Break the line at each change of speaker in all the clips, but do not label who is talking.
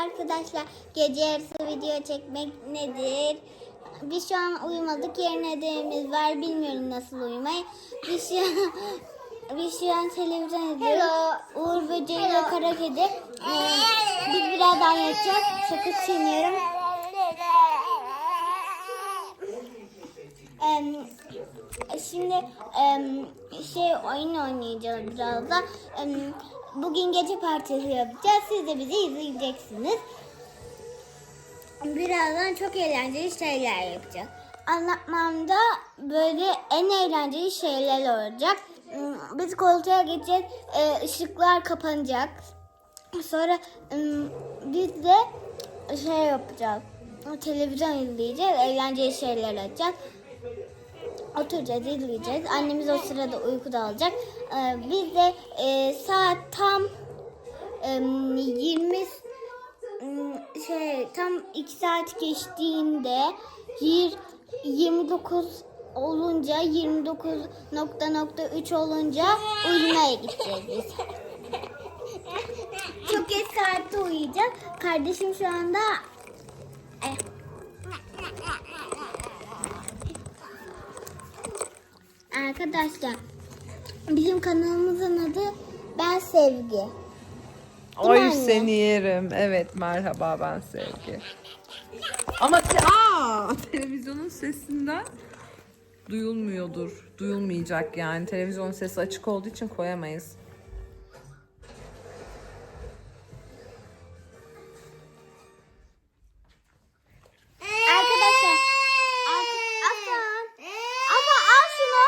arkadaşlar. Gece yarısı video çekmek nedir? Biz şu an uyumadık. Yarın ödevimiz var. Bilmiyorum nasıl uyumayı. Biz şu an televizyon izliyoruz. Uğur Böceği ve Kara Kedi. Biz birazdan yatacağız. Sakız çiğniyorum. Şimdi oyun oynayacağız biraz da. Bugün gece partisi yapacağız. Siz de bizi izleyeceksiniz. Birazdan çok eğlenceli şeyler yapacağız. Anlatmamda böyle en eğlenceli şeyler olacak. Biz koltuğa geçeceğiz. Işıklar kapanacak. Sonra biz de yapacağız. Televizyon izleyeceğiz. Eğlenceli şeyler olacak. Oturacağız, izleyeceğiz. Annemiz o sırada uykuda olacak. Biz de saat tam 2 saat geçtiğinde 29 olunca 29.3 olunca uyumaya gideceğiz biz. Çok geç saatte uyuyacak. Kardeşim şu anda arkadaşlar, bizim kanalımızın adı Ben Sevgi.
Oy seni yerim. Evet, merhaba, ben Sevgi. Ama televizyonun sesinden duyulmuyordur. Duyulmayacak yani. Televizyonun sesi açık olduğu için koyamayız.
Arkadaşlar, ama al şunu.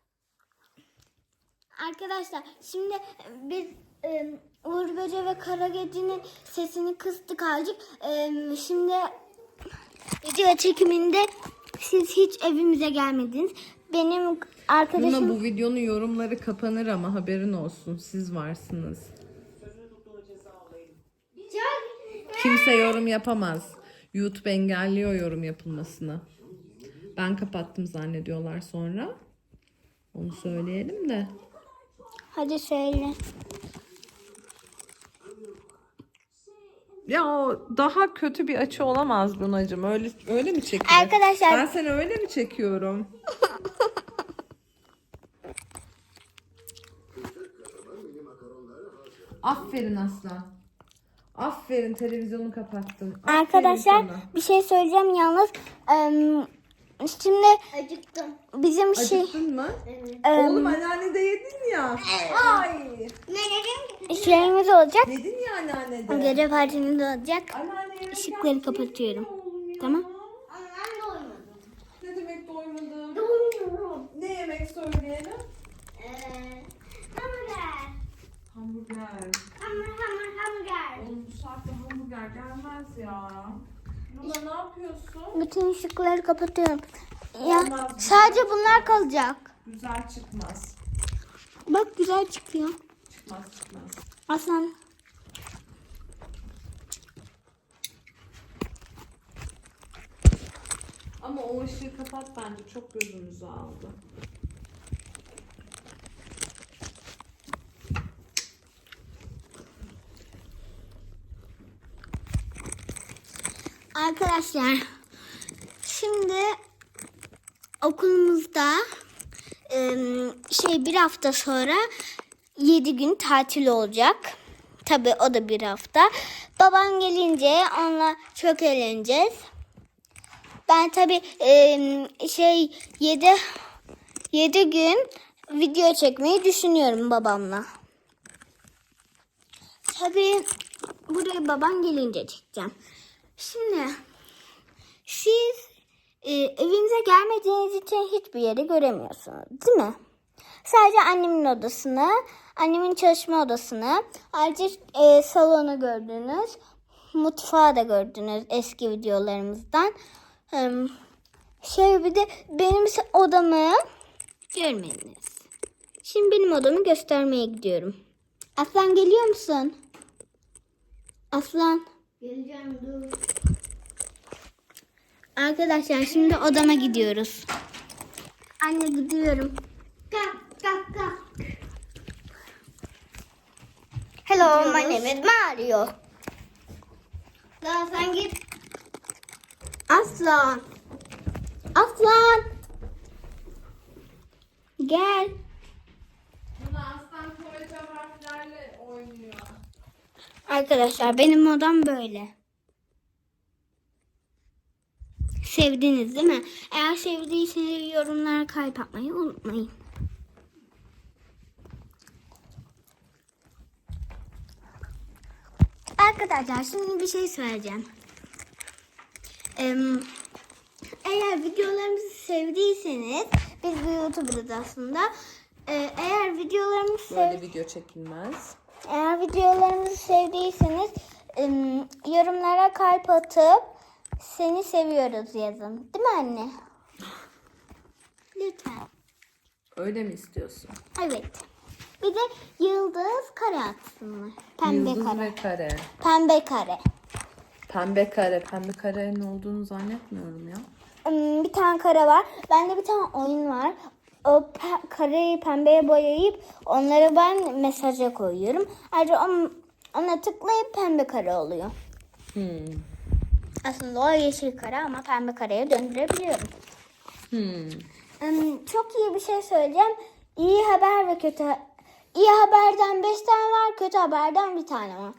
Arkadaşlar, şimdi biz Uğur Böceği ve Kara Kedi'nin sesini kıstık azıcık. Şimdi video çekiminde siz hiç evimize gelmediniz. Benim arkadaşım...
Bu videonun yorumları kapanır ama haberin olsun. Siz varsınız. Kimse yorum yapamaz. YouTube engelliyor yorum yapılmasını. Ben kapattım zannediyorlar sonra. Onu söyleyelim de.
Hadi söyle.
Ya o daha kötü bir açı olamaz Lunacığım. Öyle mi çekiyor?
Arkadaşlar.
Ben seni öyle mi çekiyorum? Aferin Aslan. Aferin, televizyonu kapattın. Aferin
Arkadaşlar
sana.
bir şey söyleyeceğim yalnız. Şimdi acıktım. Bizim
Acıktın mı? Oğlum anneannede yedin ya. Ay.
şeyimiz olacak.
Yedin ya anneannede.
Gece partimiz olacak.
Anneanneye
Işıkları kapatıyorum. Tamam.
Ne demek doymadım?
Doymuyorum.
Ne yemek söyleyelim?
Hamburger.
Hamburger.
Hamburger.
Oğlum bu saatte hamburger gelmez ya. Luna ne yapıyorsun?
Bütün ışıkları kapatıyorum. Ya
Olmaz.
sadece bunlar kalacak.
Güzel çıkmaz.
Bak güzel çıkıyor.
Çıkmaz.
Aslan.
Ama o ışığı kapat bence. Çok gözümüzü aldı.
Arkadaşlar, şimdi okulumuzda bir hafta sonra 7 gün tatil olacak. Tabii o da bir hafta. Babam gelince onunla çok eğleneceğiz. Ben tabii 7 gün video çekmeyi düşünüyorum babamla. Tabii buraya babam gelince çekeceğim. Şimdi siz evinize gelmediğiniz için hiçbir yeri göremiyorsunuz, değil mi? Sadece annemin odasını, annemin çalışma odasını, ayrıca salonu gördünüz, mutfağı da gördünüz eski videolarımızdan. Bir de benim odamı görmediniz. Şimdi benim odamı göstermeye gidiyorum. Aslan geliyor musun? Aslan. Geleceğim, dur. Arkadaşlar şimdi odama gidiyoruz. Anne gidiyorum. Kalk. Hello, my name is Mario. Daha sen git. Aslan. Aslan. Gel.
Luna aslan tuvalet harflerle oynuyor.
Arkadaşlar benim odam böyle. Sevdiniz değil mi? Eğer sevdiyseniz yorumlara kalp atmayı unutmayın. Arkadaşlar şimdi bir şey söyleyeceğim. Eğer videolarımızı sevdiyseniz biz bir YouTuber'ız aslında. Eğer videolarımızı
Böyle video çekilmez.
Eğer videolarımızı sevdiyseniz yorumlara kalp atıp seni seviyoruz yazın. Değil mi anne? Lütfen.
Öyle mi istiyorsun?
Evet. Bir de yıldız kare atsınlar. Pembe
Yıldız
kare.
ve kare.
Pembe kare.
Pembe kare. Pembe karenin olduğunu zannetmiyorum ya.
Bir tane kare var. Bende bir tane oyun var. O kareyi pembeye boyayıp onları ben mesaja koyuyorum. Ayrıca ona tıklayıp pembe kare oluyor. Aslında o yeşil kare ama pembe kareye döndürebiliyorum. Çok iyi bir şey söyleyeceğim. İyi haber ve kötü. İyi haberden 5 tane var, kötü haberden bir tane var.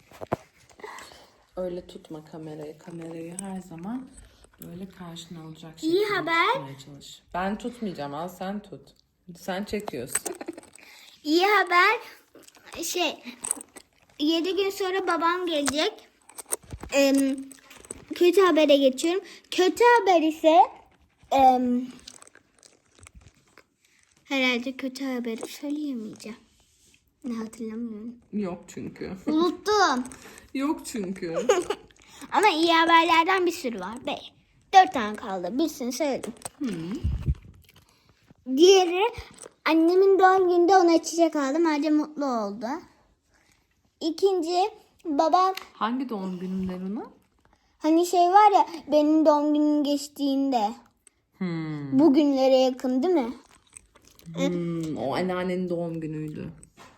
Öyle tutma kamerayı. Kamerayı her zaman böyle karşına alacak
İyi
şekilde
haber.
tutmaya çalış. Ben tutmayacağım. Al sen tut. Sen çekiyorsun.
İyi haber 7 gün sonra babam gelecek. Kötü habere geçiyorum. Kötü haber ise herhalde kötü haberi söyleyemeyeceğim. Ne hatırlamıyorum.
Yok çünkü.
Unuttum.
Yok çünkü.
Ama iyi haberlerden bir sürü var. 4 tane kaldı. Birisini söyledim. Diğeri annemin doğum gününde ona çiçek aldım. Ayrıca mutlu oldu. İkinci babam
Hangi doğum gününde Luna?
hani var ya benim doğum günüm geçtiğinde bugünlere yakın değil mi?
O anneannenin doğum günüydü.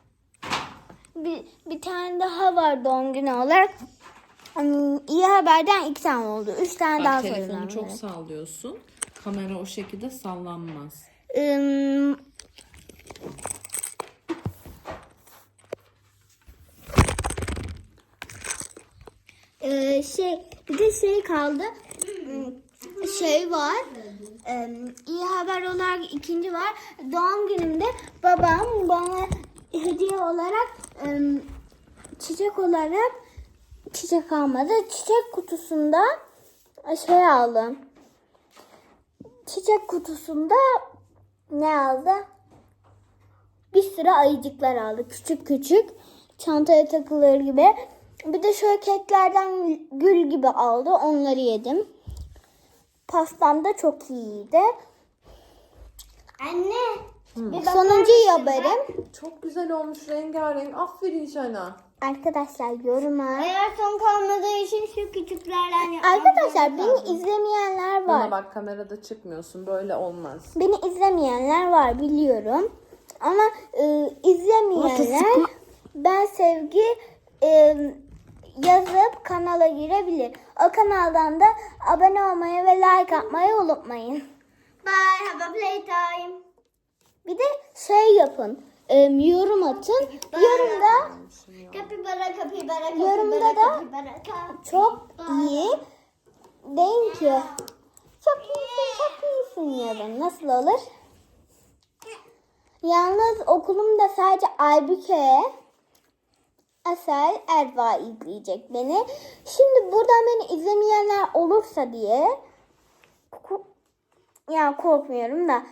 Bir tane daha var doğum günü olarak. İyi haberden 2 tane oldu. 3 tane daha
Bak
söylemem
telefonu çok
gerek.
sallıyorsun. Kamera o şekilde sallanmaz.
Bir de kaldı. Var. İyi haber olarak ikinci var. Doğum günümde babam bana hediye olarak çiçek olarak çiçek almadı. Çiçek kutusunda aldım. Çiçek kutusunda ne aldı? Bir sürü ayıcıklar aldı. Küçük küçük. Çantaya takılır gibi. Bir de şöyle keklerden gül gibi aldı. Onları yedim. Pastam da çok iyiydi. Anne. Sonuncu haberim.
Çok güzel olmuş rengarenk. Aferin sana.
Arkadaşlar yoruma.
Eğer son kalmadığı için şu küçüklerden
Arkadaşlar beni izlemeyenler var.
Buna bak kamerada çıkmıyorsun. Böyle olmaz.
Beni izlemeyenler var biliyorum. Ama izlemeyenler ben sevgi yazıp kanala girebilir. O kanaldan da abone olmayı ve like atmayı unutmayın.
Bye, have a playtime.
Bir de yapın. Yorum atın. Yorumda
Kapibara, kapibara,
Yorumda da çok iyi deyin ki çok iyisin yazın. Nasıl olur? Yalnız okulumda sadece Aybüke, Asel, Erva izleyecek beni. Şimdi buradan beni izlemeyenler olursa diye korkmuyorum da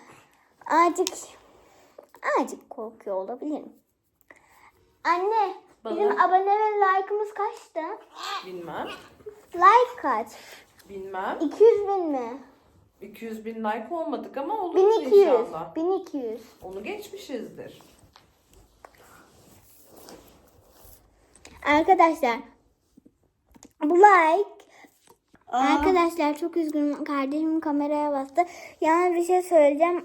azıcık korkuyor olabilirim. Anne, bizim abone ve like'ımız kaçtı?
Bilmem.
Like kaç?
Bilmem.
200 bin mi?
200 bin like olmadık ama oluruz
1200.
inşallah.
1200.
Onu geçmişizdir.
Arkadaşlar bu like Arkadaşlar çok üzgünüm. Kardeşim kameraya bastı. Yani bir şey söyleyeceğim.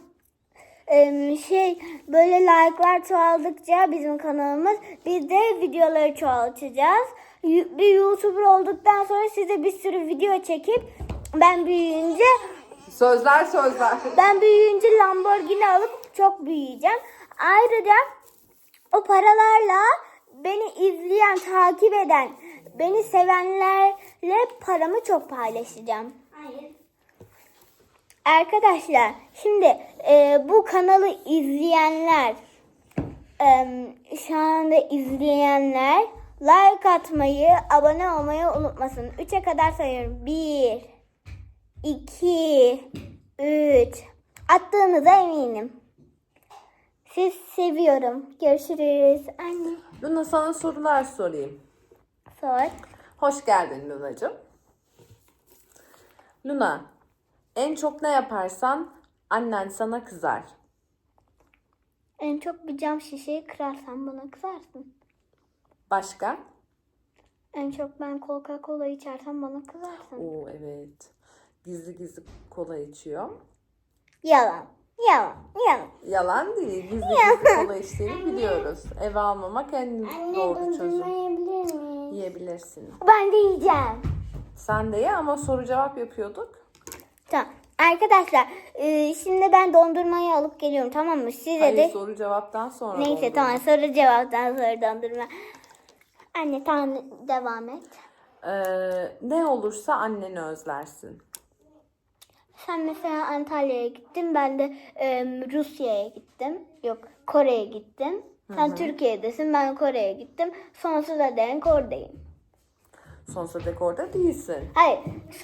Böyle like'lar çoğaldıkça bizim kanalımız biz de videoları çoğaltacağız. bir YouTuber olduktan sonra size bir sürü video çekip ben büyüyünce
Sözler.
Lamborghini alıp çok büyüyeceğim. Ayrıca o paralarla beni izleyen, takip eden, beni sevenlerle paramı çok paylaşacağım.
Hayır.
Arkadaşlar şimdi bu kanalı izleyenler, şu anda izleyenler like atmayı, abone olmayı unutmasın. 3'e kadar sayıyorum. 1, 2, 3. Attığınıza eminim. Siz seviyorum. Görüşürüz. Anne.
Luna, sana sorular sorayım.
Sor.
Hoş geldin Lunacığım. Luna, en çok ne yaparsan annen sana kızar.
En çok bir cam şişeyi kırarsan bana kızarsın.
Başka?
En çok ben Coca-Cola içersem bana kızarsın.
Oo, evet. Gizli gizli kola içiyor.
Yalan.
Yalan değil. Gizli gizli kola içtiğini biliyoruz. Eve almamak en doğru çözüm.
Yiyebilir miyim?
Yiyebilirsin.
Ben de yiyeceğim.
Sen de ye ama soru cevap yapıyorduk.
Tamam. Arkadaşlar şimdi ben dondurmayı alıp geliyorum, tamam mı? Size
Hayır,
de...
soru cevaptan sonra
Neyse
dondurma.
tamam, soru cevaptan sonra dondurma. Anne tamam, devam et.
Ne olursa anneni özlersin.
Sen mesela Antalya'ya gittin, ben de Rusya'ya gittim. Yok, Kore'ye gittim. Sen Türkiye'desin, ben Kore'ye gittim. Sonsuza dek oradayım.
Sonsuza dek orada değilsin.
Hayır,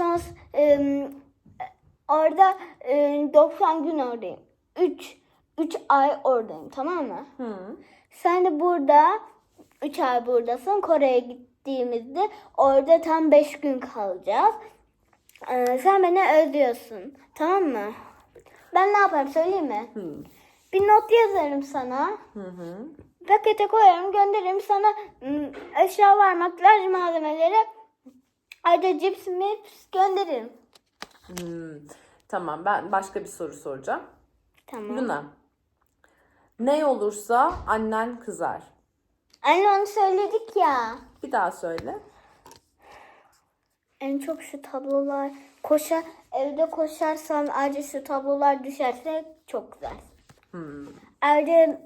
orada 90 gün oradayım. 3 ay oradayım, tamam mı?
Hı.
Sen de burada 3 ay buradasın. Kore'ye gittiğimizde orada tam 5 gün kalacağız. Sen beni özlüyorsun, tamam mı? Ben ne yaparım söyleyeyim mi?
Hı.
Bir not yazarım sana.
Hı.
Pakete koyarım, gönderirim sana eşya var, makyaj malzemeleri. Ayrıca cips gönderirim.
Tamam, ben başka bir soru soracağım.
Tamam.
Luna, ne olursa annen kızar.
Anne onu söyledik ya.
Bir daha söyle.
En çok şu tablolar evde koşarsam ayrıca şu tablolar düşerse çok güzel. Ayrıca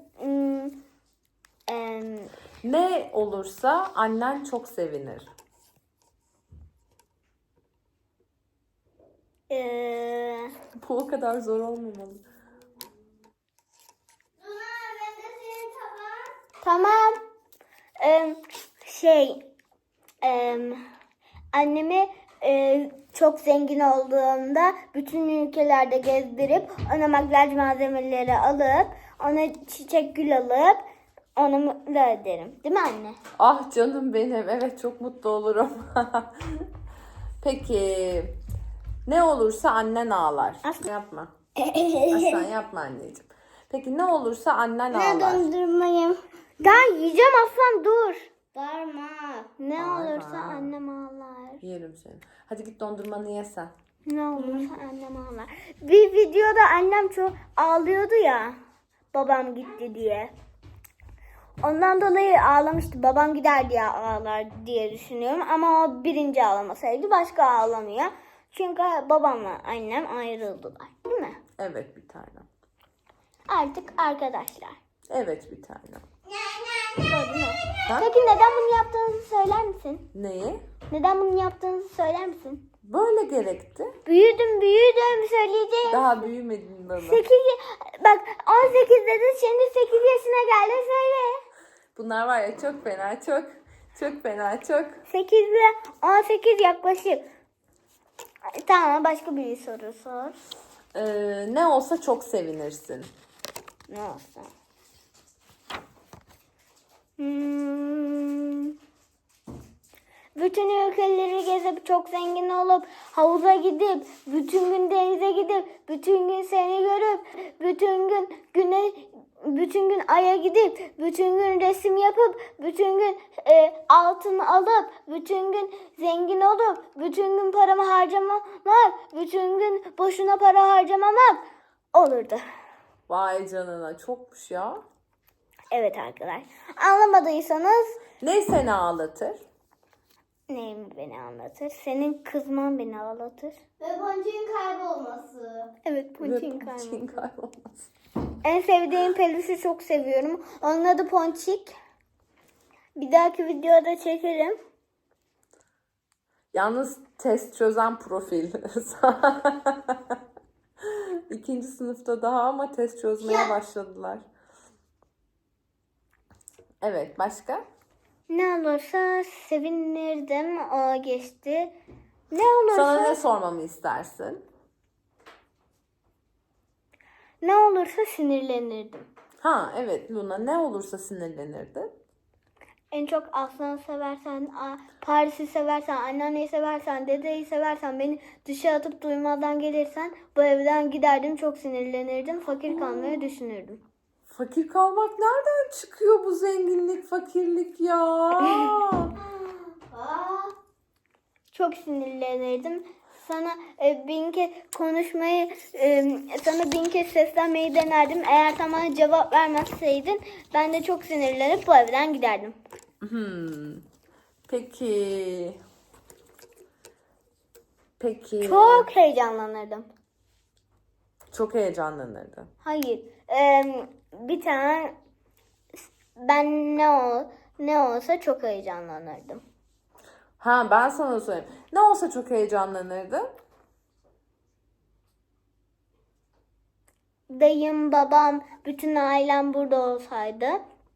Ne olursa annen çok sevinir. Bu o kadar zor olmamalı.
Luna, ben de senin tabağın.
tamam. Annemi çok zengin olduğunda bütün ülkelerde gezdirip ona makyaj malzemeleri alıp ona çiçek gül alıp onu mutlu ederim. Değil mi anne?
Ah canım benim. Evet, çok mutlu olurum. Peki, ne olursa annen ağlar.
Aslan.
Yapma. Aslan yapma anneciğim. Peki, ne olursa annen
Ne
ağlar.
dondurmayım?
Daha yiyeceğim aslan, dur.
Bağırma.
Ne
Bağırma.
olursa annem ağlar.
Yerim seni. Hadi git dondurmanı ye sen.
Ne olursa annem ağlar. Bir videoda annem çok ağlıyordu ya. Babam gitti diye. Ondan dolayı ağlamıştı. Babam gider diye ağlar diye düşünüyorum. Ama o birinci ağlamasaydı başka ağlamıyor. Çünkü babamla annem ayrıldılar. Değil mi?
Evet bir tanem.
Artık arkadaşlar.
Evet bir tanem.
Gördün mü?
Ha?
Peki neden bunu yaptığınızı söyler misin?
Neyi?
Neden bunu yaptığınızı söyler misin?
Böyle gerekti.
Büyüdüm söyleyeceğim.
Daha büyümedin bana.
8 bak 18 dedin, şimdi 8 yaşına geldin, söyle.
Bunlar var ya, çok fena, çok fena, çok.
8 ile 18 yaklaşık. Tamam, başka bir soru sor.
Ne olsa çok sevinirsin.
Ne olsa. Bütün ülkeleri gezip çok zengin olup havuza gidip bütün gün denize gidip bütün gün seni görüp bütün gün aya gidip bütün gün resim yapıp bütün gün altın alıp bütün gün zengin olup bütün gün paramı harcamamak, bütün gün boşuna para harcamamak olurdu.
Vay canına, çokmuş ya.
Evet arkadaşlar. Anlamadıysanız
Ne seni ağlatır?
neyim beni anlatır? Senin kızman beni ağlatır.
Ve boncuğun kaybolması.
Evet, Ponçik'in
Ve
karnı.
Ponçik'in kaybolması.
En sevdiğim peluşu çok seviyorum. Onun adı Ponçik. Bir dahaki videoda çekerim.
Yalnız test çözen profil. 2. sınıfta daha ama test çözmeye başladılar. Evet, başka?
Ne olursa sevinirdim. O geçti. Ne olursa
Sana ne sormamı istersin?
ne olursa sinirlenirdim.
Ha evet Luna, ne olursa sinirlenirdin.
En çok Aslan'ı seversen, Paris'i seversen, anneanneyi seversen, dedeyi seversen, beni dışa atıp duymadan gelirsen bu evden giderdim, çok sinirlenirdim, fakir kalmayı düşünürdüm.
Fakir kalmak nereden çıkıyor bu zenginlik, fakirlik ya?
Aa,
Çok sinirlenirdim. Sana bin kez konuşmayı, sana bin kez seslenmeyi denerdim. Eğer sen bana cevap vermezseydin ben de çok sinirlenip bu evden giderdim.
Peki. Peki.
Çok heyecanlanırdım.
Çok heyecanlanırdın.
Hayır. Bir tane ben ne olsa çok heyecanlanırdım.
Ha ben sana söyleyeyim. Ne olsa çok heyecanlanırdın.
Dayım, babam, bütün ailem burada olsaydı.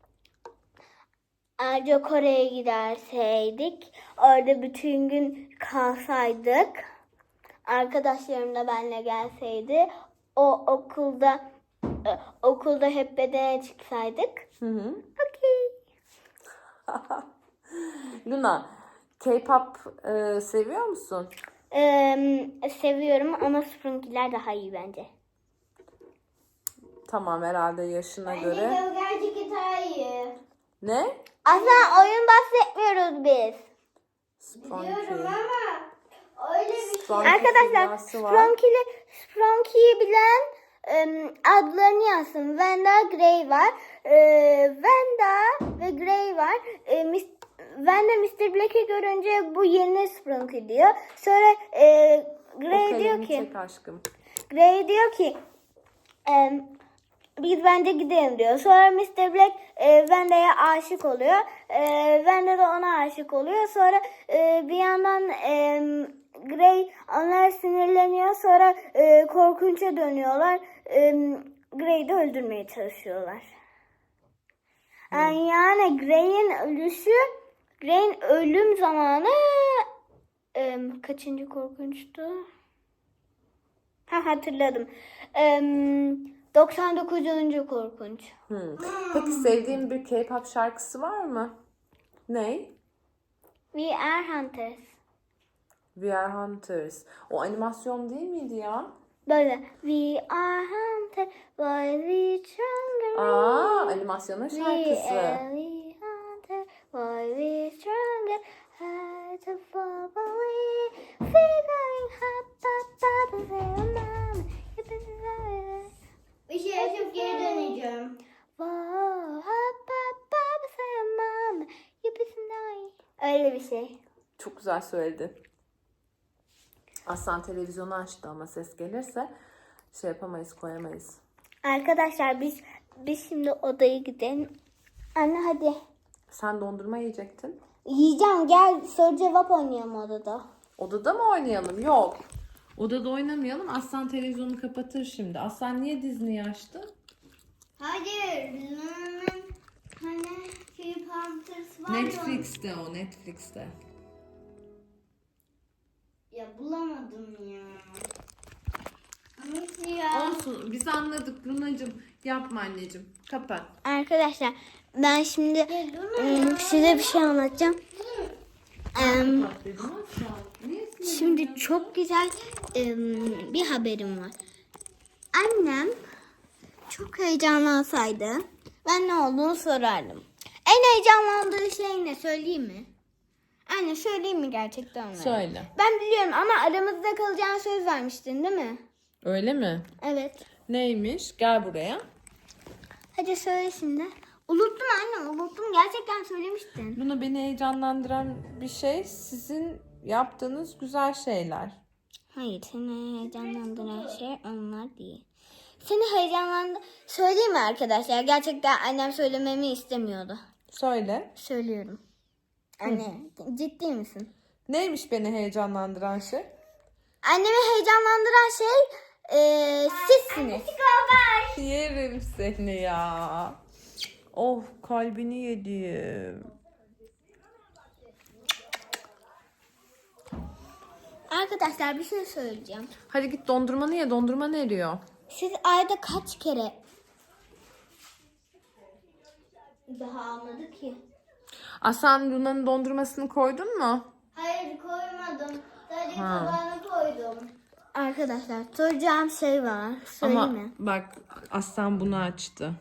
Ayrıca Kore'ye giderseydik. Orada bütün gün kalsaydık. Arkadaşlarım da benimle gelseydi. Okulda hep bedene çıksaydık.
Hı.
Okey.
Luna, K-pop seviyor musun?
Seviyorum ama Sprinky'ler daha iyi bence.
Tamam, herhalde yaşına
bence
göre.
gölgerci gitar iyi.
Ne?
Aslında oyun bahsetmiyoruz biz.
Biliyorum
Sprunky.
ama öyle bir şey.
Sprunky
Arkadaşlar
furyası var.
Spronky'yi bilen adlarını yazsın. Vanda, Gray var. Vanda ve Gray var. Vanda Mr. Black'i görünce bu yeni Spronky diyor. Sonra
O
Gray diyor
kalemi
ki
çek aşkım.
Gray diyor ki biz bence gidelim diyor. Sonra Mr. Black Vanda'ya aşık oluyor. Vanda da ona aşık oluyor. Sonra bir yandan Gray onlara sinirleniyor. Sonra korkunça dönüyorlar. Gray'i de öldürmeye çalışıyorlar. Yani Gray'in ölüm zamanı kaçıncı korkunçtu? Hatırladım. 99. korkunç.
Peki sevdiğin bir K-pop şarkısı var mı? Ne?
We are hunters.
We Are Hunters. O animasyon değil miydi ya?
Böyle. We are hunters. Why we stronger?
Animasyonun
We
şarkısı.
are hunters. Why we stronger? Hard to fall away. Figuring hot, hot, hot, mama.
Bir şey açıp geri döneceğim.
Öyle bir şey.
Çok güzel söyledi. Aslan televizyonu açtı ama ses gelirse şey yapamayız, koyamayız.
Arkadaşlar biz şimdi odaya gidelim. Anne hadi.
Sen dondurma yiyecektin.
Yiyeceğim, gel soru cevap oynayalım odada.
Odada mı oynayalım? Yok. Odada oynamayalım. Aslan televizyonu kapatır şimdi. Aslan niye Disney'i açtı?
Hayır. Luna'nın hani K-Panthers var ya.
Netflix'te o, Netflix'te.
Ya bulamadım ya. Nasıl ya?
Olsun, biz anladık Lunacığım. Yapma anneciğim. Kapat.
Arkadaşlar ben şimdi
Luna.
size bir şey anlatacağım.
Kapat dedim Aslan. Niye
Şimdi çok güzel bir haberim var. Annem çok heyecanlansaydı ben ne olduğunu sorardım. En heyecanlandığı şey ne, söyleyeyim mi? Anne söyleyeyim mi gerçekten onlara?
Söyle.
Ben biliyorum ama aramızda kalacağına söz vermiştin değil mi?
Öyle mi?
Evet.
Neymiş? Gel buraya.
Hadi söyle şimdi. Unuttum anne, unuttum. Gerçekten söylemiştin.
Luna, beni heyecanlandıran bir şey sizin yaptığınız güzel şeyler.
Hayır, seni heyecanlandıran şey onlar değil. Seni heyecanlandı... Söyleyeyim mi arkadaşlar? Gerçekten annem söylememi istemiyordu.
Söyle.
Söylüyorum. Anne, ciddi misin?
Neymiş beni heyecanlandıran şey?
Annemi heyecanlandıran şey sizsiniz.
Yerim seni ya. Oh, kalbini yedim.
Arkadaşlar bir şey söyleyeceğim.
Hadi git dondurmanı ye. Dondurma eriyor.
Siz ayda kaç kere daha almadı ki?
Aslan, Luna'nın dondurmasını koydun mu?
Hayır koymadım. Sadece
Ha.
tabağına koydum.
Arkadaşlar soracağım şey var. Söyleyeyim
Ama
mi?
bak, Aslan bunu açtı.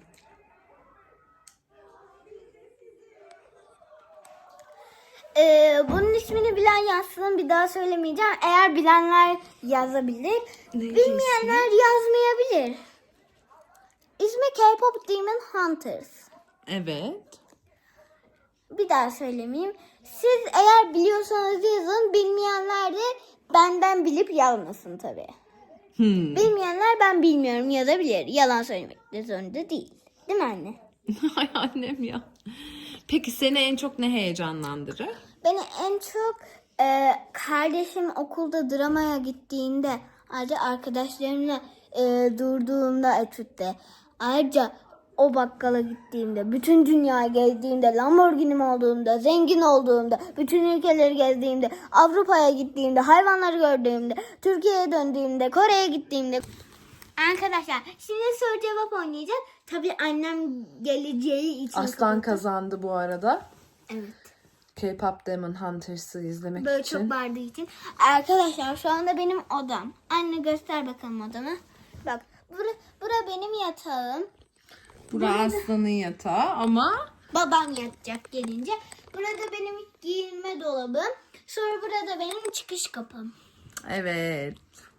Bunun ismini bilen yazsın, bir daha söylemeyeceğim. Eğer bilenler yazabilir.
Neydi
Bilmeyenler yazmayabilir. İsmi K-pop Demon Hunters.
Evet.
Bir daha söylemeyeyim. Siz eğer biliyorsanız yazın. Bilmeyenler de benden bilip yazmasın tabii. Bilmeyenler ben bilmiyorum yazabilir. Yalan söylemek de zorunda değil. Değil mi anne?
Ay annem ya. Peki seni en çok ne heyecanlandırır?
Beni en çok kardeşim okulda dramaya gittiğinde, ayrıca arkadaşlarımla durduğumda etütte, ayrıca o bakkala gittiğimde, bütün dünyayı gezdiğimde, Lamborghini'm olduğumda, zengin olduğumda, bütün ülkeleri gezdiğimde, Avrupa'ya gittiğimde, hayvanları gördüğümde, Türkiye'ye döndüğümde, Kore'ye gittiğimde. Arkadaşlar şimdi soru cevap oynayacağız. Tabii annem geleceği için.
Aslan kazandı bu arada.
Evet.
K-pop Demon Hunters'ı izlemek
Böyle
için.
çok bağırdığı için. Arkadaşlar şu anda benim odam. Anne göster bakalım odamı. Bak bura benim yatağım.
Burası Aslan'ın yatağı ama
Babam yatacak gelince. Burada benim giyinme dolabım. Sonra burada benim çıkış kapım.
evet,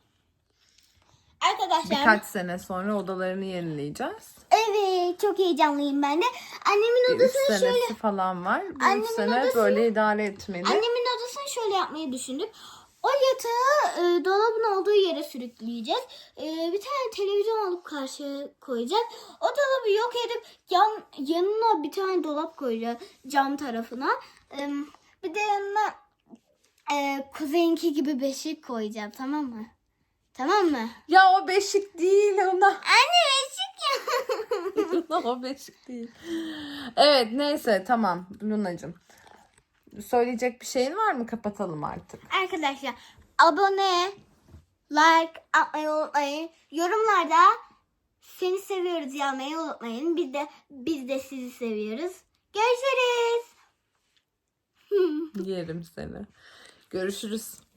Arkadaşlar.
birkaç sene sonra odalarını yenileyeceğiz.
Evet, çok heyecanlıyım ben de. Annemin
Bir 3
odasını
senesi
şöyle.
falan var. Bir 3
Annemin
sene
odasını-
böyle idare etmeli.
Annemin odasını şöyle yapmayı düşündük. O yatağı dolabın olduğu yere sürükleyeceğiz. Bir tane televizyon alıp karşıya koyacağız. O dolabı yok edip yanına bir tane dolap koyacağız cam tarafına. Bir de yanına kuzeyinki gibi beşik koyacağım, tamam mı? Tamam mı?
Ya o beşik değil ona.
Anne beşik ya.
O beşik değil. Evet, neyse, tamam Lunacığım. Söyleyecek bir şeyin var mı? Kapatalım artık.
Arkadaşlar abone, like atmayı unutmayın. Yorumlarda seni seviyoruz yazmayı unutmayın. Biz de sizi seviyoruz. Görüşürüz.
Yerim seni. Görüşürüz.